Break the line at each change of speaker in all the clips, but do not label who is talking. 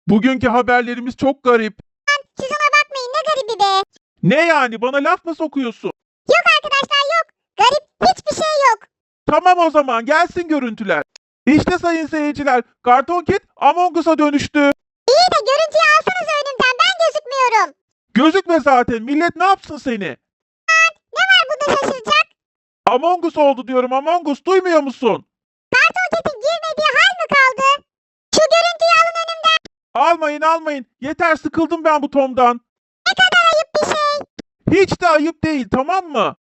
Bugünkü haberlerimiz çok garip.
Siz ona bakmayın, ne garibi be.
Ne yani, bana laf mı sokuyorsun?
Yok arkadaşlar, yok. Garip hiçbir şey yok.
Tamam, o zaman gelsin görüntüler. İşte sayın seyirciler, Karton Cat Among Us'a dönüştü.
İyi de görüntüyü alsanız önümden, ben gözükmüyorum.
Gözükme zaten, millet ne yapsın seni?
Ne var bunda şaşıracak?
Among Us oldu diyorum, Among Us, duymuyor musun?
Kartonketin girmediği hal mi kaldı? Şu görüntüyü alın önümden.
Almayın, yeter, sıkıldım ben bu Tom'dan.
Ne kadar ayıp bir şey.
Hiç de ayıp değil, tamam mı?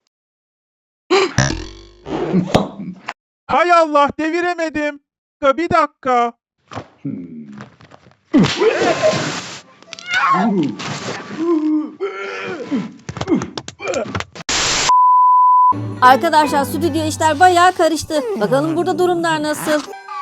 Hay Allah, deviremedim. Bir dakika.
Arkadaşlar stüdyo işler bayağı karıştı. Bakalım burada durumlar nasıl?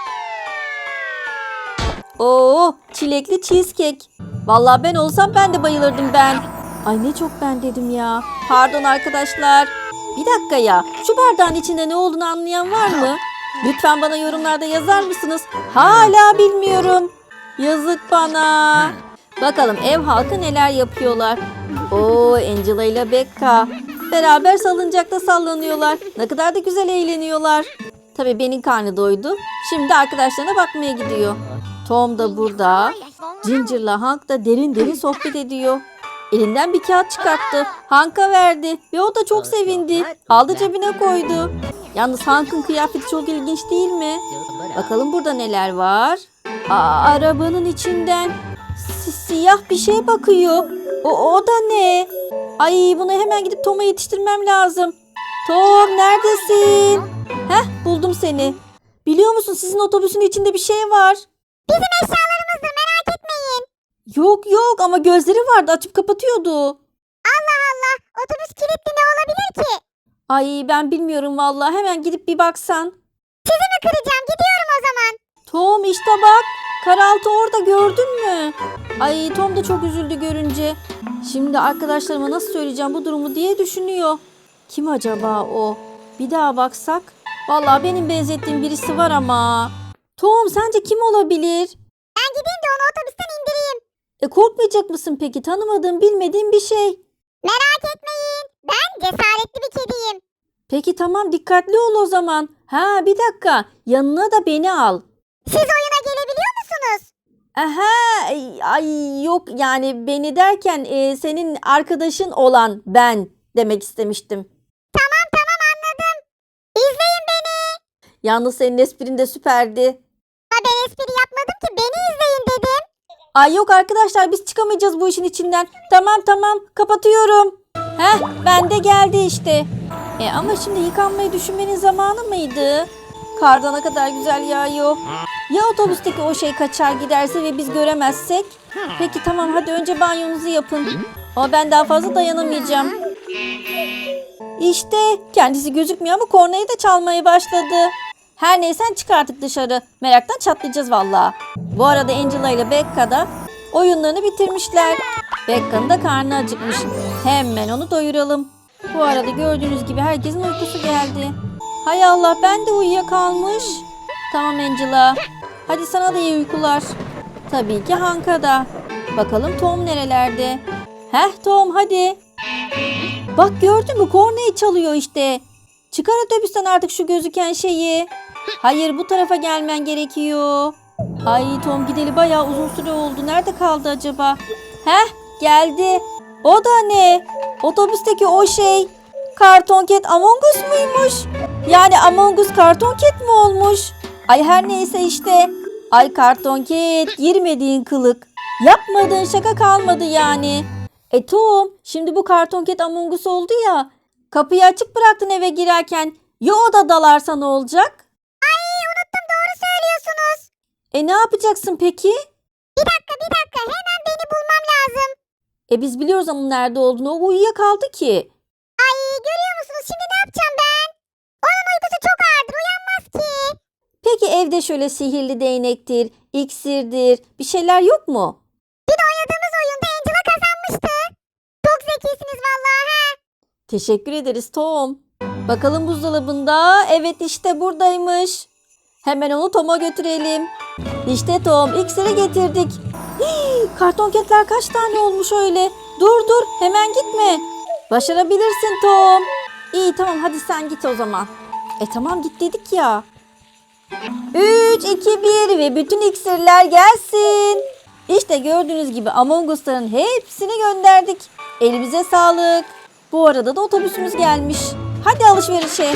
Oo, çilekli cheesecake. Vallahi ben olsam ben de bayılırdım ben. Ay ne çok ben dedim ya. Pardon arkadaşlar. Bir dakika ya. Şu bardağın içinde ne olduğunu anlayan var mı? Lütfen bana yorumlarda yazar mısınız? Hala bilmiyorum. Yazık bana. Bakalım ev halkı neler yapıyorlar. Oo, Angela ile Becca. Beraber salıncakta sallanıyorlar. Ne kadar da güzel eğleniyorlar. Tabii benim karnı doydu. Şimdi arkadaşlarına bakmaya gidiyor. Tom da burada. Ginger'la Hank da derin derin sohbet ediyor. Elinden bir kağıt çıkarttı. Hank'a verdi ve o da çok sevindi. Aldı cebine koydu. Yalnız Hank'ın kıyafeti çok ilginç değil mi? Bakalım burada neler var. Arabanın içinden siyah bir şey bakıyor. O da ne? Ay bunu hemen gidip Tom'a yetiştirmem lazım. Tom neredesin? Heh buldum seni. Biliyor musun sizin otobüsün içinde bir şey var.
Bizim eşyalarımızdır, merak etmeyin.
Yok ama gözleri vardı açıp kapatıyordu.
Allah Allah, otobüs kilitli, ne olabilir ki?
Ay ben bilmiyorum vallahi hemen gidip bir baksan.
Sizi mi kıracağım, gidiyorum o zaman.
Tom işte bak. Karaltı orada gördün mü? Ay Tom da çok üzüldü görünce. Şimdi arkadaşlarıma nasıl söyleyeceğim bu durumu diye düşünüyor. Kim acaba o? Bir daha baksak. Vallahi benim benzettiğim birisi var ama. Tom sence kim olabilir?
Ben gideyim de onu otobüsten indireyim.
Korkmayacak mısın peki? Tanımadığım bilmediğim bir şey.
Merak etmeyin, ben cesaretli bir kediyim.
Peki tamam dikkatli ol o zaman. Ha bir dakika yanına da beni al.
Siz oyuna gelebiliyor musunuz?
Aha ay yok yani beni derken senin arkadaşın olan ben demek istemiştim.
Tamam anladım. İzleyin beni.
Yalnız senin esprin de süperdi.
Ama ben espri yapmadım ki, beni izleyin dedim.
Ay yok arkadaşlar biz çıkamayacağız bu işin içinden. Tamam kapatıyorum. Heh ben de geldi işte. Ama şimdi yıkanmayı düşünmenin zamanı mıydı? Karda ne kadar güzel yağıyor. Ya otobüsteki o şey kaçar giderse ve biz göremezsek? Peki tamam hadi önce banyonuzu yapın. Ama ben daha fazla dayanamayacağım. İşte kendisi gözükmüyor ama kornayı da çalmaya başladı. Her neyse çık artık dışarı. Meraktan çatlayacağız valla. Bu arada Angela ile Becca da oyunlarını bitirmişler. Becca'nın da karnı acıkmış. Hemen onu doyuralım. Bu arada gördüğünüz gibi herkesin uykusu geldi. Hay Allah ben de uyuyakalmış. Tamam Angela. Hadi sana da iyi uykular. Tabii ki Hank'a da. Bakalım Tom nerelerde? Heh Tom hadi. Bak gördün mü kornayı çalıyor işte. Çıkar otobüsten artık şu gözüken şeyi. Hayır bu tarafa gelmen gerekiyor. Ay Tom gideli bayağı uzun süre oldu. Nerede kaldı acaba? Heh geldi. O da ne? Otobüsteki o şey. Karton Cat Among Us muymuş? Yani Among Us Karton Cat mi olmuş? Ay her neyse işte. Ay Karton Cat girmediğin kılık. Yapmadığın şaka kalmadı yani. Tom şimdi bu Karton Cat Among Us oldu ya. Kapıyı açık bıraktın eve girerken. Ya o da dalarsa ne olacak?
Ay unuttum, doğru söylüyorsunuz.
Ne yapacaksın peki?
Bir dakika, hemen beni bulmam lazım.
Biz biliyoruz onun nerede olduğunu. O uyuyakaldı ki.
Ay görüyor musunuz, şimdi ne yapacağım ben? Onun uykusu çok ağırdır, uyanmaz ki.
Peki evde şöyle sihirli değnektir, iksirdir bir şeyler yok mu?
Bir de oynadığımız oyunda Angela kazanmıştı. Çok zekisiniz vallahi he.
Teşekkür ederiz Tom. Bakalım buzdolabında. Evet işte buradaymış. Hemen onu Tom'a götürelim. İşte Tom, iksiri getirdik. Hii, kartonketler kaç tane olmuş öyle? Dur dur, hemen gitme. Başarabilirsin Tom. İyi tamam, hadi sen git o zaman. Tamam git dedik ya. 3, 2, 1 ve bütün iksirler gelsin. İşte gördüğünüz gibi Among Us'ların hepsini gönderdik. Elimize sağlık. Bu arada da otobüsümüz gelmiş. Hadi alışverişe.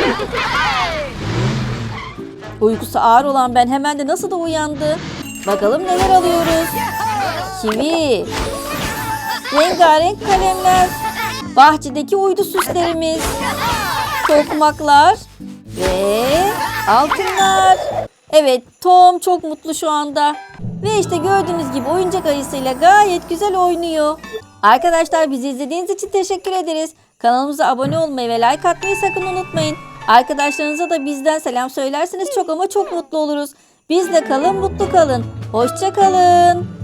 Uykusu ağır olan ben hemen de nasıl da uyandı. Bakalım neler alıyoruz. Kivi. Rengarenk kalemler. Bahçedeki uydu süslerimiz. Tokmaklar. Ve altınlar. Evet, Tom çok mutlu şu anda. Ve işte gördüğünüz gibi oyuncak ayısıyla gayet güzel oynuyor. Arkadaşlar bizi izlediğiniz için teşekkür ederiz. Kanalımıza abone olmayı ve like atmayı sakın unutmayın. Arkadaşlarınıza da bizden selam söylerseniz çok ama çok mutlu oluruz. Bizle kalın, mutlu kalın. Hoşça kalın.